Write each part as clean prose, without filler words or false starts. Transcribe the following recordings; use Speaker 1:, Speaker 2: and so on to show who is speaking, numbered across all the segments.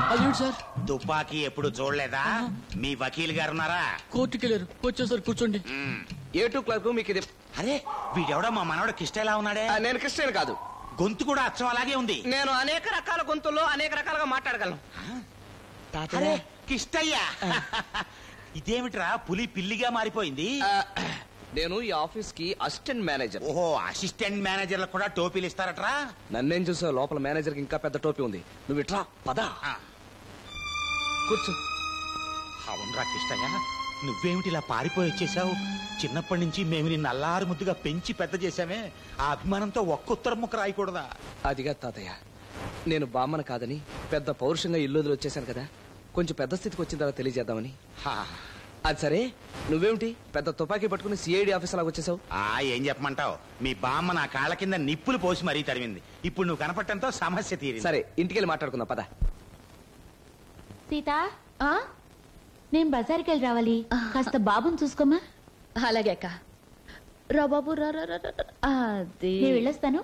Speaker 1: అదేంటి సార్?
Speaker 2: తుపాకీ ఎప్పుడు చూడలేదా? మీ వకీల్ గారు ఉన్నారా?
Speaker 1: కోర్టుకి వెళ్ళారు. వచ్చేసారు, కూర్చోండి.
Speaker 3: A2 క్లర్క్ మీకు ఇది.
Speaker 2: అరే వీడెవడో మా మనవడు కిష్టలా ఉన్నాడే.
Speaker 3: నేను క్రిస్టియన్ కాదు.
Speaker 2: గొంతు కూడా అచ్చం అలాగే ఉంది.
Speaker 3: నేను అనేక రకాల గొంతుల్లో అనేక రకాలుగా మాట్లాడగలను.
Speaker 2: అరే కిష్టయ్య, ఇదేమిట్రా పులి పిల్లిగా మారిపోయింది?
Speaker 3: నేను ఈ ఆఫీస్ కి అసిస్టెంట్ మేనేజర్.
Speaker 2: ఓహో, అసిస్టెంట్ మేనేజర్లకు కూడా టోపీలు ఇస్తారట్రా?
Speaker 3: నన్నేం చూసావు? లోపల మేనేజర్ కి ఇంకా పెద్ద టోపీ ఉంది. నువ్వు ఇట్లా పదా కూర్చో.
Speaker 2: అవునరా కిష్టయ్య, నువ్వేమిటి ఇలా పారిపోయి వచ్చేసావు? చిన్నప్పటి నుంచి మేము నిన్ను అల్లారు ముద్దుగా పెంచి పెద్ద చేశామే, ఆ అభిమానంతో ఒక్క ఉత్తరం ముక్క రాయకూడదా?
Speaker 3: అదిగా తాతయ్య, నేను బామ్మను కాదని పెద్ద పౌరుషంగా ఇల్లు వదిలి వచ్చేసాను కదా, కొంచెం పెద్ద స్థితికి వచ్చిన తర్వాత తెలియజేద్దామని. అది సరే, నువ్వేమిటి పెద్ద తుపాకీ పట్టుకుని సిఐడి ఆఫీస్ లాగా వచ్చేసావు?
Speaker 2: ఏం చెప్పమంటావు, మీ బామ్మ నా కాళ్ళ కింద నిప్పులు పోసి మరీ తరిమింది. ఇప్పుడు నువ్వు కనపడటంతో సమస్య తీరింది.
Speaker 3: సరే, ఇంటికెళ్ళి మాట్లాడుకుందాం పద.
Speaker 4: సీత, నేను బజార్కి వెళ్ళి రావాలి, కాస్త బాబుని చూసుకోమా.
Speaker 5: అలాగే అక్క. రా బాబు, రా. అది
Speaker 4: నేను వెళ్ళొస్తాను.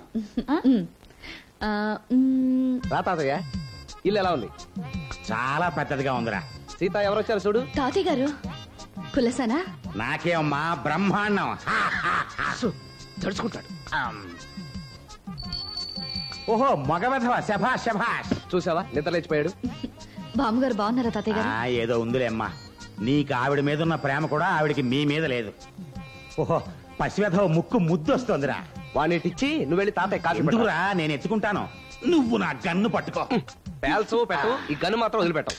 Speaker 3: రా తాతయ్య, ఇల్లు ఎలా ఉంది?
Speaker 2: చాలా పెద్దదిగా ఉందిరా.
Speaker 3: సీత, ఎవరు వచ్చారు చూడు.
Speaker 5: తాతయ్య గారు కులసానా?
Speaker 2: నాకేమమ్మా బ్రహ్మాండం.
Speaker 3: తడుచుకుంటాడు.
Speaker 2: ఓహో, మగవధవ, శభాష్ శభాష్.
Speaker 3: చూసావా, నిద్ర లేచిపోయాడు.
Speaker 5: బామ్మగారు బాగున్నారా తాతయ్య గారు?
Speaker 2: ఏదో ఉందిలేమ్మా, నీకు ఆవిడ మీద ఉన్న ప్రేమ కూడా ఆవిడికి మీ మీద లేదు. ఓహో, పసివెధవ ముక్కు ముద్దు వస్తోందిరా.
Speaker 3: వాణ్ణిటిచ్చి నువ్వు వెళ్ళి తాతయ్య కాఫీ
Speaker 2: ఎందుకురా, నేను ఎత్తుకుంటాను, నువ్వు నా గన్ను పట్టుకో.
Speaker 3: పేల్చు పెట్టు, ఈ గన్ను మాత్రం వదిలిపెట్టవు.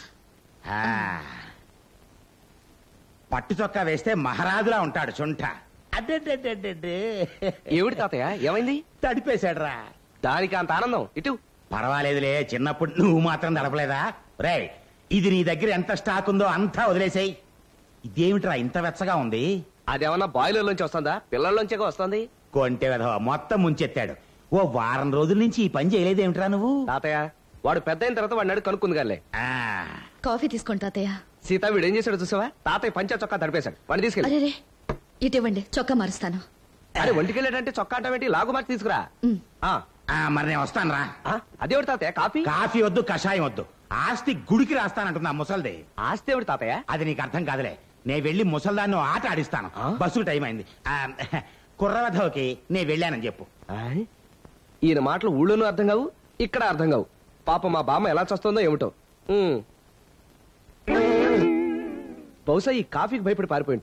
Speaker 2: పట్టు చొక్కా వేస్తే మహారాజులా ఉంటాడు చుంట. అడ్డే
Speaker 3: ఏమిటి తాతయ్య, ఏమైంది?
Speaker 2: తడిపేశాడురా.
Speaker 3: దానికి అంత ఆనందం? ఇటు
Speaker 2: పర్వాలేదులే, చిన్నప్పుడు నువ్వు మాత్రం తడపలేదా? రే, ఇది నీ దగ్గర ఎంత స్టాక్ ఉందో అంతా వదిలేసాయి. ఇదేమిట్రా ఇంత వెచ్చగా ఉంది?
Speaker 3: అదేమన్నా బాయిలర్ లోంచి వస్తుందా, పిల్లల్లోంచే వస్తుంది?
Speaker 2: కొంటె వెధవ మొత్తం ముంచెత్తాడు. ఓ వారం రోజుల నుంచి ఈ పని చేయలేదేమిట్రా నువ్వు?
Speaker 3: తాతయ్య, వాడు పెద్ద అయిన తర్వాత వాడిని కనుక్కుంది గాలే.
Speaker 5: కాఫీ తీసుకోండి తాతయ్య.
Speaker 3: సీత, వీడు ఏం చేశాడు చూసావా? తాతయ్య పంచా చొక్కా తడిపేశాడు. వాడిని తీసుకెళ్ళి.
Speaker 5: అరే, ఇటు ఇవ్వండి, చొక్కా మారుస్తాను.
Speaker 3: అరే, ఒంటికెళ్ళాడంటే చొక్కా అంటావేంటి? లాగు మార్చి తీసుకురా.
Speaker 2: మరి నేను వస్తాను రా.
Speaker 3: అదేవిడు తాతయ్య? కాఫీ
Speaker 2: కాఫీ వద్దు, కషాయం వద్దు. ఆస్తి గుడికి రాస్తానంటున్నా ముసల్ది.
Speaker 3: ఆస్తి ఎవడు తాతయ్య?
Speaker 2: అది నీకు అర్థం కాదులే. నేను వెళ్లి ముసల్దాన్ని ఆట ఆడిస్తాను. బస్సుకు టైం అయింది. కుర్రవధవకి నేను వెళ్ళానని చెప్పు.
Speaker 3: ఈయన మాటలు ఊళ్ళోనూ అర్థం కావు, ఇక్కడ అర్థం కావు. పాప మా బామ్మ ఎలా చస్తుందో ఏమిటో. బహుశా ఈ కాఫీకి భయపడి పారిపోయి